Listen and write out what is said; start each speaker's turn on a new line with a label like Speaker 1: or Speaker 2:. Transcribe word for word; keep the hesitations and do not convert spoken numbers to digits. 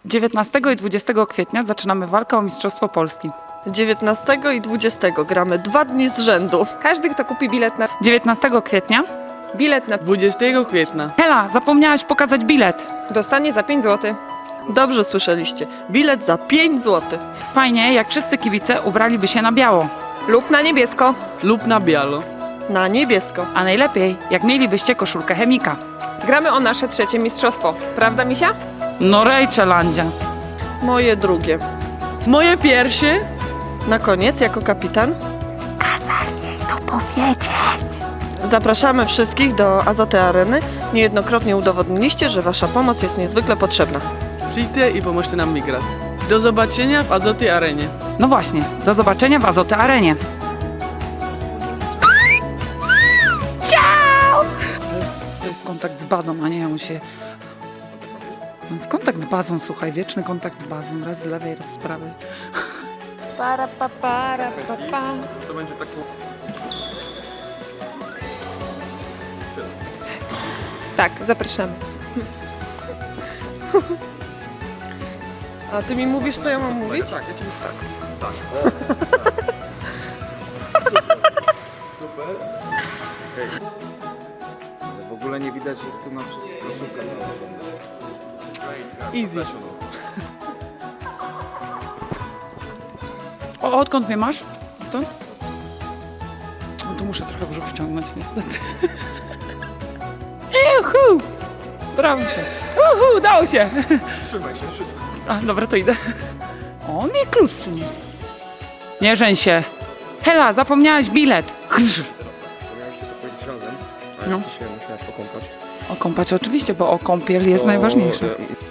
Speaker 1: dziewiętnastego i dwudziestego kwietnia zaczynamy walkę o Mistrzostwo Polski.
Speaker 2: dziewiętnastego i dwudziestego gramy dwa dni z rzędu.
Speaker 3: Każdy, kto kupi bilet na...
Speaker 1: dziewiętnastego kwietnia?
Speaker 3: Bilet na...
Speaker 4: dwudziestego kwietnia.
Speaker 1: Hela, zapomniałaś pokazać bilet.
Speaker 3: Dostanie za pięć złotych.
Speaker 2: Dobrze słyszeliście. Bilet za pięć złotych.
Speaker 1: Fajnie, jak wszyscy kibice ubraliby się na biało.
Speaker 3: Lub na niebiesko.
Speaker 4: Lub na bialo.
Speaker 2: Na niebiesko.
Speaker 1: A najlepiej, jak mielibyście koszulkę chemika.
Speaker 3: Gramy o nasze trzecie mistrzostwo. Prawda, Misia?
Speaker 1: No Rejczelandzia.
Speaker 2: Moje drugie.
Speaker 4: Moje pierwsze.
Speaker 2: Na koniec, jako kapitan,
Speaker 1: Kazali jej to powiedzieć.
Speaker 2: zapraszamy wszystkich do Azoty Areny. Niejednokrotnie udowodniliście, że wasza pomoc jest niezwykle potrzebna.
Speaker 4: Przyjdźcie i pomóżcie nam wygrać. Do zobaczenia w Azoty Arenie.
Speaker 1: No właśnie, do zobaczenia w Azoty Arenie. Ciao! To jest kontakt z bazą, a nie on się... To jest kontakt z bazą, słuchaj, wieczny kontakt z bazą. Raz z lewej, raz z prawej.
Speaker 3: Para, pa, para, pa, pa. Tak, zapraszamy.
Speaker 2: A ty mi mówisz, co ja mam mówić?
Speaker 5: Tak, ja ci tak, tak. Super. Hej. W ogóle nie widać, że jest tu na przykład koszulka założona.
Speaker 2: Easy.
Speaker 1: O, odkąd mnie masz? Odtąd? No to muszę trochę brzuch wciągnąć niestety. Juhu! Brawo się. Uhu, udało się.
Speaker 5: Trzymaj się, wszystko.
Speaker 1: A, dobra, to idę. O, mnie klucz przyniósł. Nie żeń się. Hela, zapomniałaś bilet. Chrz.
Speaker 5: Miałeś się to powiedzieć razem, ale
Speaker 1: No.
Speaker 5: ty się musiałaś okąpać.
Speaker 1: O kąpać oczywiście, bo o kąpiel jest
Speaker 5: Bo,
Speaker 1: najważniejsze.
Speaker 5: e,